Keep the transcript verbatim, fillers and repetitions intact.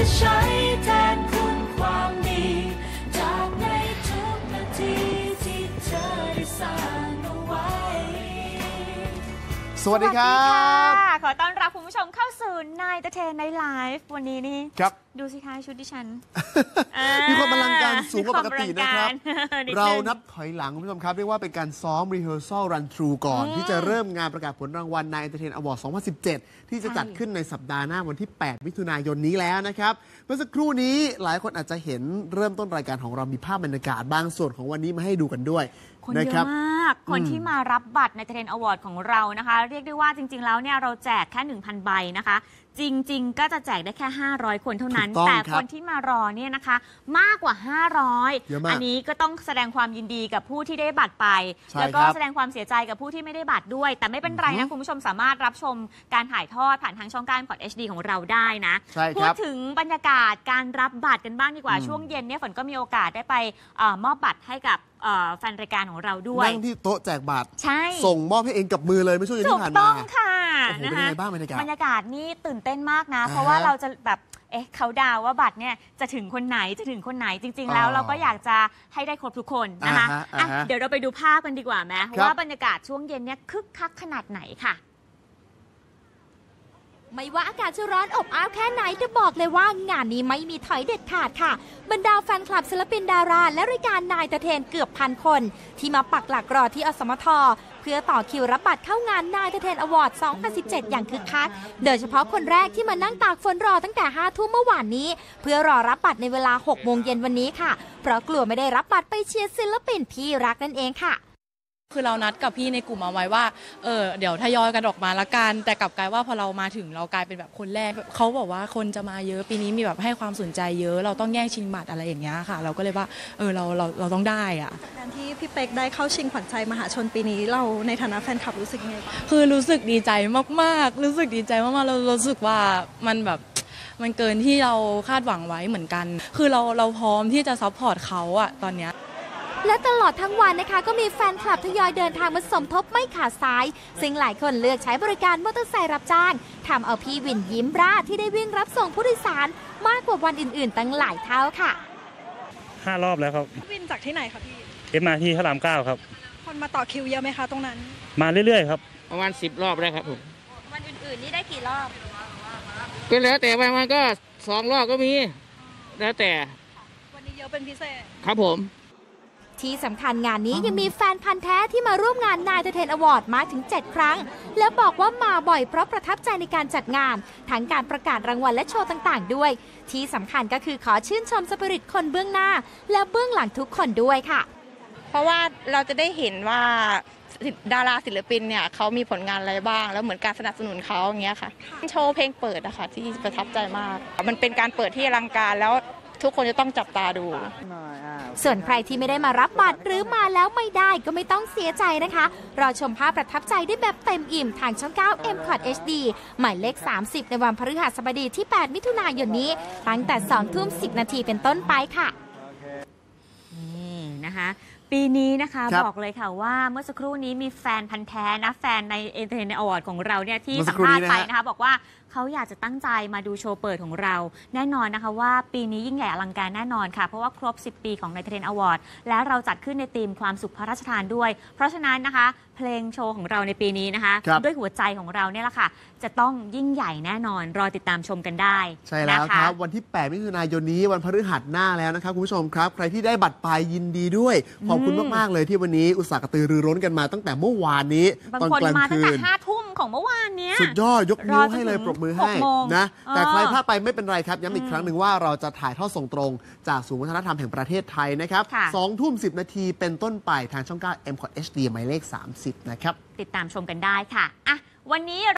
จะใช้แทนคุณความดีจากในทุกนาทีที่เธอได้สร้างเอาไว้สวัสดีครับขอต้อนรับคุณผู้ชมเข้าสู่นายตะเทนในไลฟ์วันนี้นี่ครับดูสิคะชุดดิฉันมีความอลังการสูงกว่าปกตินะครับเรานับถอยหลังคุณผู้ชมครับเรียกว่าเป็นการซ้อม rehearsal run through ก่อนที่จะเริ่มงานประกาศผลรางวัลนายตะเทนอวอร์ด สองพันสิบเจ็ด ที่จะจัดขึ้นในสัปดาห์หน้าวันที่ แปด มิถุนายนนี้แล้วนะครับเมื่อสักครู่นี้หลายคนอาจจะเห็นเริ่มต้นรายการของเรามีภาพบรรยากาศบางส่วนของวันนี้มาให้ดูกันด้วยคนเยอะมากคนที่มารับบัตรในตะเทนอวอร์ดของเรานะคะเรียกได้ว่าจริงๆแล้วเนี่ยเราแจกแค่ หนึ่งพัน ใบนะคะจริงๆก็จะแจกได้แค่ห้าร้อยคนเท่านั้นแต่คนที่มารอเนี่ยนะคะมากกว่าห้าร้อยอันนี้ก็ต้องแสดงความยินดีกับผู้ที่ได้บัตรไปแล้วก็แสดงความเสียใจกับผู้ที่ไม่ได้บัตรด้วยแต่ไม่เป็นไรนะคุณผู้ชมสามารถรับชมการถ่ายทอดผ่านทางช่องการพอด เอช ดี ของเราได้นะพูดถึงบรรยากาศการรับบัตรกันบ้างดีกว่าช่วงเย็นเนี่ยฝนก็มีโอกาสได้ไปมอบบัตรให้กับแฟนรายการของเราด้วยนั่งที่โต๊ะแจกบัตรใช่ส่งมอบให้เองกับมือเลยไม่ช่วยที่ผ่านมาถูกต้องค่ะโอ้โหเป็นยังไงบ้างบรรยากาศบรรยากาศนี่ตื่นเต้นมากนะเพราะว่าเราจะแบบเอ๊ะเขาดาวว่าบัตรเนี่ยจะถึงคนไหนจะถึงคนไหนจริงๆแล้วเราก็อยากจะให้ได้ครบทุกคนนะคะะเดี๋ยวเราไปดูภาพกันดีกว่าไหมว่าบรรยากาศช่วงเย็นเนี่ยคึกคักขนาดไหนค่ะไม่ว่าอากาศจะร้อนอบอ้าวแค่ไหนจะบอกเลยว่างานนี้ไม่มีถอยเด็ดขาดค่ะบรรดาแฟนคลับศิลปินดาราและรายการนายตะเทนเกือบพันคนที่มาปักหลักรอที่อสมทเพื่อต่อคิวรับบัตรเข้างานนายตะเทนอวอร์ด สองพันสิบเจ็ด อย่างคึกคักโดยเฉพาะคนแรกที่มานั่งตากฝนรอตั้งแต่ห้าทุ่มเมื่อวานนี้เพื่อรอรับบัตรในเวลาหกโมงเย็นวันนี้ค่ะเพราะกลัวไม่ได้รับบัตรไปเชียร์ศิลปินที่รักนั่นเองค่ะคือเรานัดกับพี่ในกลุ่มเอาไว้ว่าเออเดี๋ยวทยอยกันออกมาละกันแต่กลับกลายว่าพอเรามาถึงเรากลายเป็นแบบคนแรกเขาบอกว่าคนจะมาเยอะปีนี้มีแบบให้ความสนใจเยอะเราต้องแย่งชิงบัตรอะไรอย่างเงี้ยค่ะเราก็เลยว่าเออเราเราเราต้องได้อะการที่พี่เป๊กได้เข้าชิงขวัญใจมหาชนปีนี้เราในฐานะแฟนคลับรู้สึกยังไงคือรู้สึกดีใจมากๆรู้สึกดีใจมากๆเรารู้สึกว่ามันแบบมันเกินที่เราคาดหวังไว้เหมือนกันคือเราเราพร้อมที่จะซัพพอร์ตเขาอะตอนเนี้ยและตลอดทั้งวันนะคะก็มีแฟนคลับทยอยเดินทางมาสมทบไม่ขาดสายซึ่งหลายคนเลือกใช้บริการมอเตอร์ไซค์รับจ้างทำเอาพี่วินยิ้มร่าที่ได้วิ่งรับส่งผู้โดยสารมากกว่าวันอื่นๆตั้งหลายเท่าค่ะห้ารอบแล้วครับวินจากที่ไหนคะพี่เอ็มอาร์ทีพระรามเก้าครับคนมาต่อคิวเยอะไหมคะตรงนั้นมาเรื่อยๆครับประมาณสิบรอบแล้วครับผมวันอื่นๆนี่ได้กี่รอบก็แล้วแต่บางวันก็สองรอบก็มีแล้วแต่วันนี้เยอะเป็นพิเศษครับผมที่สำคัญงานนี้ยังมีแฟนพันธ์แท้ที่มาร่วมงานนายตะเทนอวอร์ดมาถึงเจ็ดครั้งและบอกว่ามาบ่อยเพราะประทับใจในการจัดงานทั้งการประกาศรางวัลและโชว์ต่างๆด้วยที่สำคัญก็คือขอชื่นชมสปิริตคนเบื้องหน้าและเบื้องหลังทุกคนด้วยค่ะเพราะว่าเราจะได้เห็นว่าดาราศิลปินเนี่ยเขามีผลงานอะไรบ้างแล้วเหมือนการสนับสนุนเขาอย่างเงี้ยค่ะโชว์เพลงเปิดนะคะที่ประทับใจมากมันเป็นการเปิดที่อลังการแล้วทุกคนจะต้องจับตาดูส่วนใครที่ไม่ได้มารับบัตรหรือมาแล้วไม่ได้ก็ไม่ต้องเสียใจนะคะรอชมภาพประทับใจได้แบบเต็มอิ่มทางช่องเก้า เอ็ม คอท เอช ดี หมายเลขสามสิบในวันพฤหัสบดีที่ แปด มิถุนายนนี้ตั้งแต่สองทุ่มสิบนาทีเป็นต้นไปค่ะนี่นะคะปีนี้นะคะบอกเลยค่ะว่าเมื่อสักครู่นี้มีแฟนพันธ์แท้นะแฟนในเอ็นเตอร์เทนอวอร์ดของเราเนี่ยที่สัมภาษณ์ไปนะคะบอกว่าเขาอยากจะตั้งใจมาดูโชว์เปิดของเราแน่นอนนะคะว่าปีนี้ยิ่งใหญ่อลังการแน่นอนค่ะเพราะว่าครบสิบปีของในเทรนอวอร์ดและเราจัดขึ้นในธีมความสุขพระราชทานด้วยเพราะฉะนั้นนะคะเพลงโชว์ของเราในปีนี้นะคะด้วยหัวใจของเราเนี่ยแหละค่ะจะต้องยิ่งใหญ่แน่นอนรอติดตามชมกันได้ใช่แล้วครับวันที่แปดมิถุนายนนี้วันพฤหัสหน้าแล้วนะครับคุณผู้ชมครับใครที่ได้บัตรไปยินดีด้วยขอบคุณมากๆเลยที่วันนี้อุตส่าห์กระตือรือร้นกันมาตั้งแต่เมื่อวานนี้ตอนกลางคืนบางคนมาตั้งแต่ห้าทุ่มของเมื่อวานนี้สุดยอดยกนิ้วให้เลยปรบมือให้นะแต่ใครพลาดไปไม่เป็นไรครับย้ำอีกครั้งหนึ่งว่าเราจะถ่ายทอดส่งตรงจากศูนย์วัฒนธรรมแห่งประเทศไทยนะครับสองทุ่มสิบนาทีเป็นต้นไปทางช่องเก้า เอ็ม คอท เอช ดี หมายเลขสามสิบนะครับติดตามชมกันได้ค่ะอ่ะวันนี้